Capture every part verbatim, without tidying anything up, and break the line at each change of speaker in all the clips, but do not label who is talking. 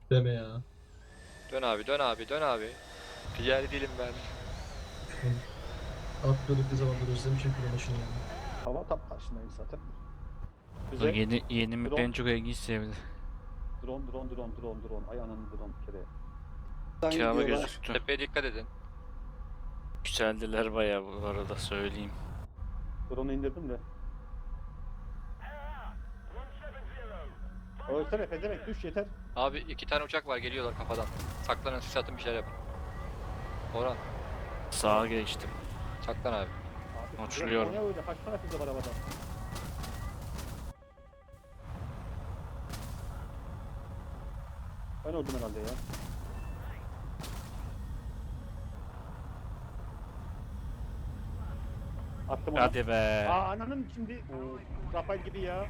Deme ya.
Dön abi, dön abi, dön abi. Ticari değilim ben.
Atlıyorduk ne zamandır özlemişim kilo başını ya.
Hava tam karşındayım zaten.
Bu
Güzel.
yeni yeni map
Drone.
en çok ilginç sevdi.
Drone drone drone drone drone. Ay ananın drone bir kere.
Kirava
gidiyorlar.
gözüktü.
Tepeye dikkat edin.
Yükseldiler bayağı bu arada söyleyeyim.
Drone'u indirdim de. Ölsene pezevenk düş yeter.
Abi iki tane uçak var, geliyorlar kafadan. Saklanın, sis atın, bir şeyler yapın. Orhan,
Sağa geçtim.
saklan abi.
Abi,
Uçuruyorum.
O ne öyle? Kaç tane füze var havada? Ben öldüm herhalde ya. Attım onu.
Hadi be.
Aa ananın şimdi. Oo, Rafael gibi ya.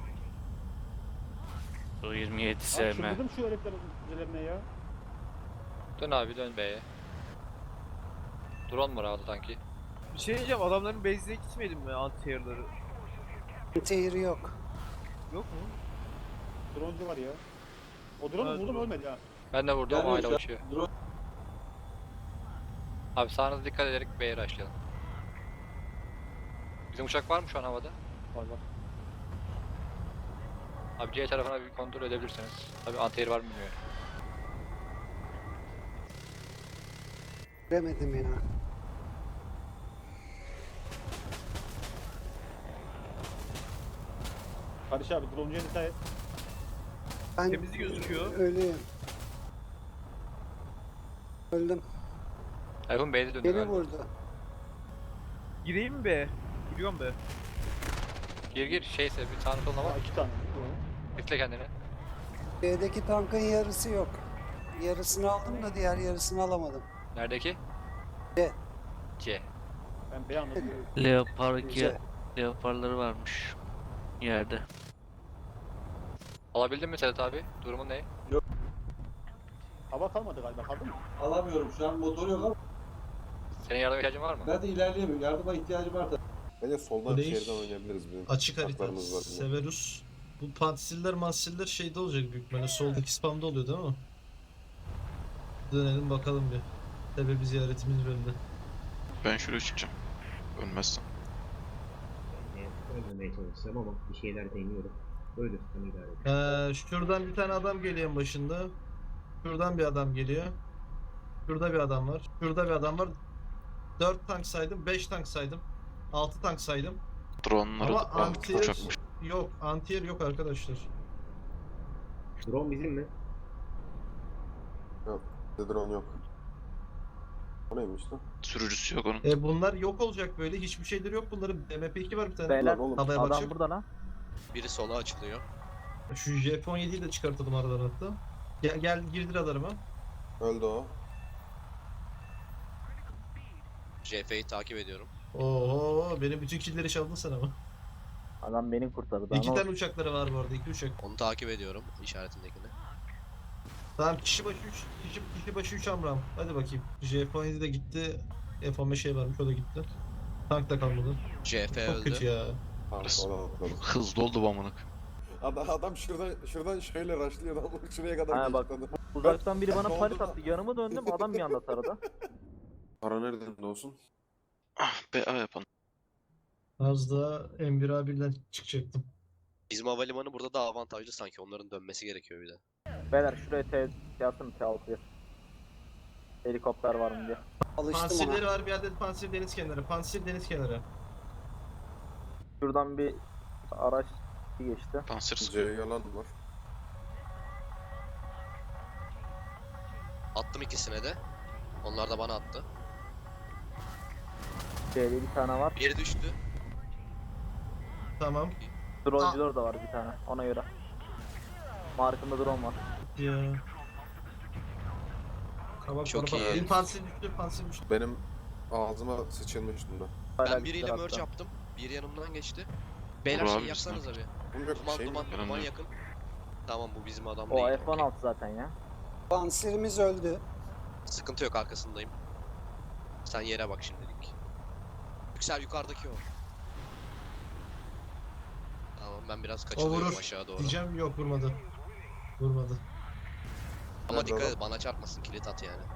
Bu yirmi yedi
Abi
sevme.
çıldırdım şu heriflerin füzelerine ya.
Dön abi, dön B'ye. Drone mu havada sanki?
Bir şey diyeceğim, adamların base'ine gitmedin mi anti-air'ları?
Tehir yok.
Yok mu?
Droncu var ya. O drone'u
Evet,
vurdum
drone.
ölmedi ha.
Ben de vurdum ama hala
Gelmiyor
uçuyor.
şu an.
Abi sağınıza dikkat ederek B'ye rushlayalım. Bizim uçak var mı şu an havada?
Var var.
Abi C tarafına bir kontrol edebilirsiniz. Tabii anti-air var mı bilmiyorum.
Göremedim ya.
Barış abi droncuya dikkat et.
Ben
Temiz gözüküyor.
ölüyüm. Öldüm.
Erhun B'de döndü
Beni
galiba.
vurdu.
Gireyim mi be? Giriyorum be.
Gir gir, şeyse bir sağına soluna
Aa
bak.
iki tane.
Bekle kendini.
B'deki tankın yarısı yok. Yarısını aldım da diğer yarısını alamadım.
Neredeki?
C.
C.
Ben B anladım.
Leopard iki
C.
Leopardları varmış yerde.
Alabildin mi Sedat abi? Durumun ne?
Hava kalmadı galiba kaldı mı?
Alamıyorum şu an motor yok ama
Senin yardıma ihtiyacın var mı?
ben de ilerleyemiyorum. Yardıma ihtiyacım var tabii.
Bence soldan
Bu değil.
şehirden oynayabiliriz bizim.
Açık harita.
Haklarımız var bizim.
Severus. Bu pansiller mansiller şeyde olacak büyük ihtimalle. Soldaki spamda oluyor değil mi? Dönelim bakalım bir. Sebebi ziyaretimiz bölümde.
Ben şuraya çıkacağım. Ölmezsem.
Yani ölmemeye çalışacağım ama bir şeyler deniyorum. Ölürsem idare edeyim.
Ee, şuradan bir tane adam geliyor en başında. Şuradan bir adam geliyor. Şurada bir adam var. Şurada bir adam var. dört tank saydım, beş tank saydım. altı tank saydım.
Drone'ları
Ama
da
anti-air
uçakmış.
yok. Anti-air yok arkadaşlar.
Drone bizim mi?
Yok. Bizde drone yok. O neymiş lan?
Sürücüsü yok onun.
E bunlar yok olacak böyle. Hiçbir şeyleri yok bunların. M P iki var bir tane.
Beyler,
Lan oğlum.
Havaya bakacak.
burada lan.
Biri sola açılıyor.
Şu J P on yediyi de çıkartalım aradan hatta. Gel, gel girdir adarıma.
Öldü o.
J F'yi takip ediyorum.
Oo, benim bütün killleri çaldın sen ama.
Adam beni kurtardı.
İki tane uçakları var bu arada. İki uçak.
Onu takip ediyorum işaretindekini.
Tamam kişi başı üç. Kişi, kişi başı üç amram. Hadi bakayım. J P on yedi de gitti. F on beş şey varmış o da gitti. Tank da kalmadı.
C F
Çok kötü ya.
Tamam oradan atladım.
Hızlı oldu bu amınık.
Adam, adam şuradan şuradan şöyle rushlıyor adam şuraya kadar
Ha,
geçti
bak.
adam.
Uzaktan biri bana
Ben
panik
doğduğumda-
attı. Yanıma döndüm, adam bir anda taradı.
Para nereden de olsun?
Ah be A yapalım.
Az daha M bir A birden çıkacaktım.
Bizim havalimanı burada daha avantajlı sanki. Onların dönmesi gerekiyor bir de.
Beyler şuraya T yapsın T altı. Helikopter var mı diye.
Alıştım
Pansirleri
ona.
var bir adet pansir deniz kenarı. Pansir deniz kenarı.
Şuradan bir araç geçti.
Panzer
C
sıkıyor.
yalan var.
Attım ikisine de. Onlar da bana attı.
C'de bir tane var.
Biri düştü.
Tamam.
Droncular da var bir tane ona göre. Markında drone var.
Ya. Kabak
Çok
kabak.
iyi.
Benim pansir düştü, pansir düştü.
Benim ağzıma sıçılmış bunda.
Hala
Ben
bir
biriyle
tarafta.
merge yaptım. Biri yanımdan geçti. Beyler
Vur
şey
abi
yapsanız abi.
Bunun yok bir
Duman
şey mi?
duman
Yanımda
duman
yok.
yakın. Tamam bu bizim adam
O
değil.
F on altı zaten ya.
Pansirimiz öldü.
Sıkıntı yok, arkasındayım. Sen yere bak şimdilik. Yüksel, yukarıdaki o. Tamam ben biraz
O
kaçılıyorum
vurur.
aşağı doğru.
Diyeceğim yok vurmadı. Vurmadı.
Ama
Nerede
dikkat
adam?
et bana çarpmasın kilit at yani.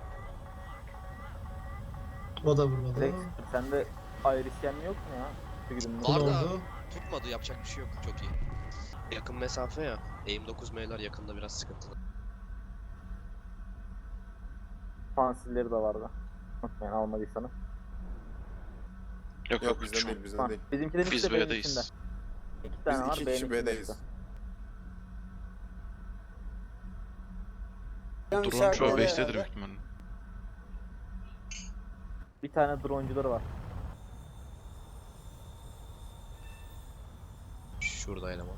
O da vurmadı.
Rex sende ayrışyen yok mu ya? Şu gidin.
Bu
Var
ne
da
oldu?
tutmadı yapacak bir şey yok çok iyi. Yakın mesafe ya. Aim dokuz M'ler yakında biraz sıkıntılı.
Pansilleri de vardı. Unutmayın almadıysanız.
Yok
Yok
yok
bizden
şu an.
değil bizden
Tamam.
değil.
Bizimkilerin ikisi
Biz
de B'nin içinde.
B'deyiz.
İki tane
Biz
var
iki
B'nin
kişi
içinde
B'deyiz.
işte.
Ben
Drone
işaret
şu an
ediyorum.
base'tedir büyük ihtimalle.
Bir tane droncuları var.
Şurada eleman.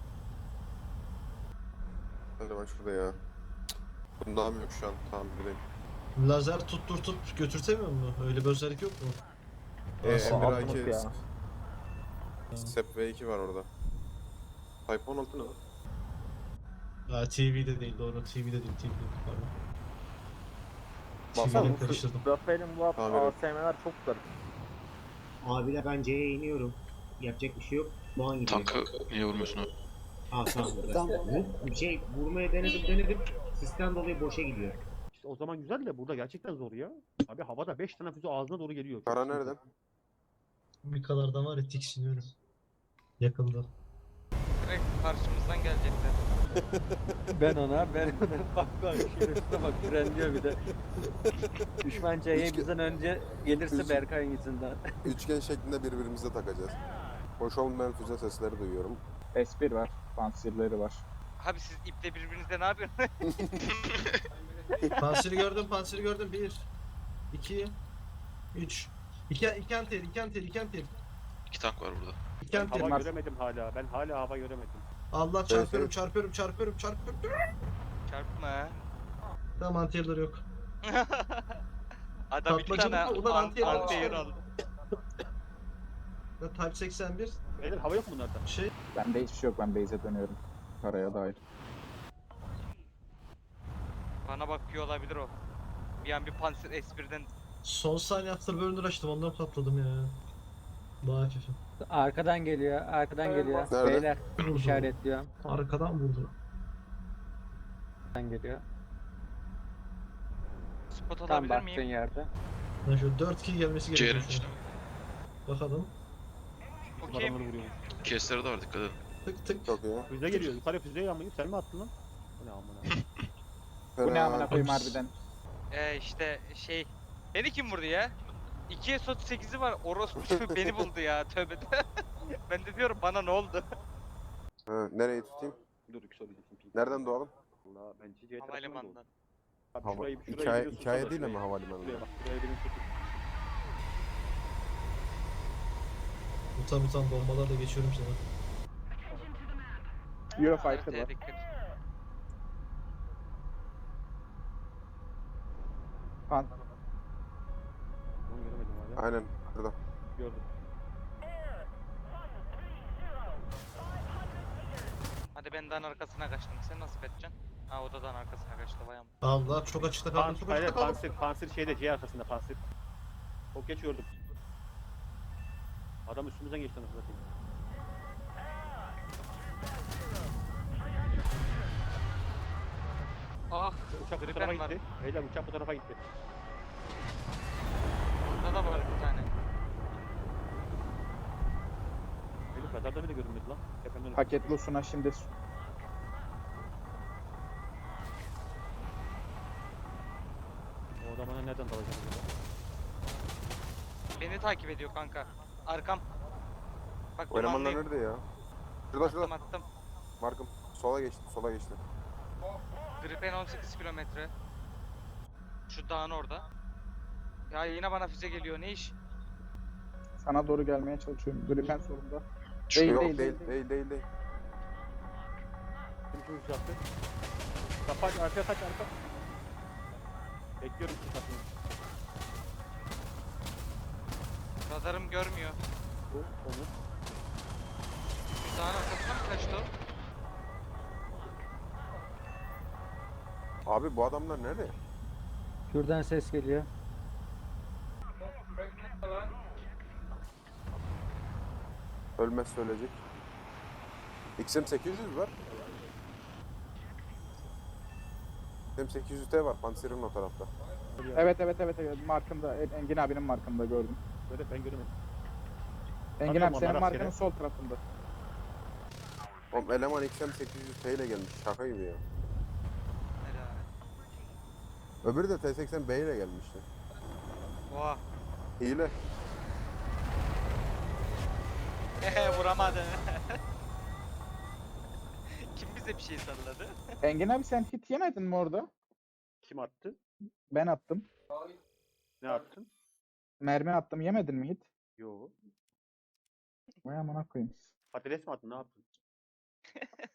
Hadi ben şurada ya. Bundan yok şu an. Tamam buradayım.
Lazer tutturtup götürtemiyor mu? Öyle bir özellik yok mu?
Ee,
Nasıl?
Emir
Altınlık
A K
ya.
Step V iki var orada. Type on altı ne lan?
Ha, T V'de değil doğru. T V'de değil. T V'de değil. Pardon.
Basalım.
T V'de karıştırdım.
Rafael'in bu
Tamam,
A
evet.
S M'ler çok garip.
Abiler ben C'ye iniyorum. Yapacak bir şey yok. Doğan gidiyor.
Tankı niye vurmuyorsun abi?
Aa tamam. burada.
Tamam.
Bir şey vurmaya denedim denedim. Sistem dolayı boşa gidiyor.
İşte o zaman güzel de burada gerçekten zor ya. Abi havada beş tane füze ağzına doğru geliyor. Çok
Kara
sıkıntı.
nereden?
Mikalardan var ya tiksiniyorum. Yakında.
Direkt karşımızdan gelecekler.
Ben ona, ben ona. Bak bak, şerefine bak, frenliyor bir de. Düşman C'ye
Üç-
bizden önce gelirse
Üç-
Berkay'ın yüzünden.
Üçgen şeklinde birbirimize takacağız. Hoş olmayan füze sesleri duyuyorum.
S bir var. Pansirleri var.
Abi siz iple birbirinizle ne yapıyorsunuz?
Panseri gördüm, panseri gördüm. Bir, iki, üç. İki, iki anter, iki anter, iki anter.
İki tank var burada.
İki
Ben
anter.
hava göremedim hala. Ben hala hava göremedim.
Allah çarpıyorum,
evet.
çarpıyorum, çarpıyorum, çarpıyorum.
Çarpma ha.
Tamam anterler yok.
Adam iki
Tatmacı
tane
mı? Ulan
an-
anti-
anti-air aldı.
Ya, Type seksen bir
Beyler hava yok mu bunlarda?
şey.
Bende hiçbir şey yok. Ben base'e dönüyorum. Karaya dair.
Bana bakıyor olabilir o. Bir an bir Panzer S birden
Son saniye afterburner açtım ondan patladım ya. Daha hafifim.
Arkadan geliyor, arkadan geliyor.
Nerede?
Beyler
Vurdu.
işaretliyor.
Arkadan vurdu.
Arkadan geliyor.
spot
Tam
alabilir
baktığın
miyim?
yerde.
Ben şöyle dört kill gelmesi
C'nin
gerekiyor şu
içinde.
an. Bakalım.
Okey.
Adamları vuruyor.
Kesleri de var dikkat edin.
Tık tık.
Çok iyi.
Füze geliyor. Yukarı füzeyi almayı sen mi attın lan? Bu ne amına?
Bu ne amına koyayım
Fena.
harbiden.
Ee işte şey. Beni kim vurdu ya? iki S otuz sekizi var. Orospu beni buldu ya. Tövbe de. Ben de diyorum bana ne oldu?
Ha, nereyi tutayım?
Dur yükseleceksin.
Nereden doğalım?
Valla ben C C tarafından doğdum.
Havalimanından.
Abi
Hava,
şurayı, şurayı
hikaye,
biliyorsun
hikaye
sana,
değil
şurayı-
ama havalimanı.
Şuraya bak, şuraya benim tutun.
Utan utan bombalarla geçiyorum sana.
Eurofighter
Haritaya
var.
dikkat.
Pan.
Onu göremedim hala.
Aynen burada.
Gördüm.
Hadi ben dağın arkasına kaçtım. Sen nasıl kaçacaksın? Ha o da dağın arkasına kaçtı vay am.
Allah çok açıkta kaldım,
Pan,
çok
hayır,
açıkta kaldım.
pansir, pansir şeyde C arkasında pansir. Çok geç gördüm. Adam üstümüzden geçti anasını satayım.
Ah
Uçak bu
Gripen
tarafa
var.
gitti. Beyler uçak bu tarafa gitti.
Burada da var bir tane.
Elif radarda bile görünmedi lan. Tepemden
Paketli Suna şimdi.
O adamına nereden dalacağım burada?
Beni takip ediyor kanka. Arkam. Bak
O elemanlar
dumanlıyım.
nerede ya? Şurada
Attım
şurada.
attım.
Markım. Sola geçti. Sola geçti.
Gripen on sekiz kilometre. Şu dağın orada. Ya yine bana füze geliyor. Ne iş?
Sana doğru gelmeye çalışıyorum. Gripen solunda.
Şu
Değil,
Yok
değil,
değil
değil.
değil değil değil.
Kim şu uçaktı? Kapat arkaya kaç arka. Bekliyorum şu kapıyı.
Radarım görmüyor.
Bu onu.
Şu dağın arkasına mı kaçtı o?
Abi bu adamlar nerede?
Şuradan ses geliyor.
Ölmez söyleyecek. X M sekiz yüz var. Hem sekiz yüz T var Panzer'in o tarafta.
Evet evet evet evet markımda Engin abinin markında gördüm.
Böyle ben göremedim.
Engin
Bakıyorum
abi senin
onlara
markanın
rastgele.
sol tarafında.
Oğlum eleman X M sekiz yüz T ile gelmiş. Şaka gibi ya. Öbürü de T seksen B ile gelmişti.
Oha.
Hile.
Vuramadı. Kim bize bir şey salladı?
Engin abi sen hit yemedin mi orada?
Kim attı?
Ben attım.
Ne attın?
Mermi attım yemedin mi hit?
Yo.
Vay amına koyayım.
Patates mi attın? Ne yaptın?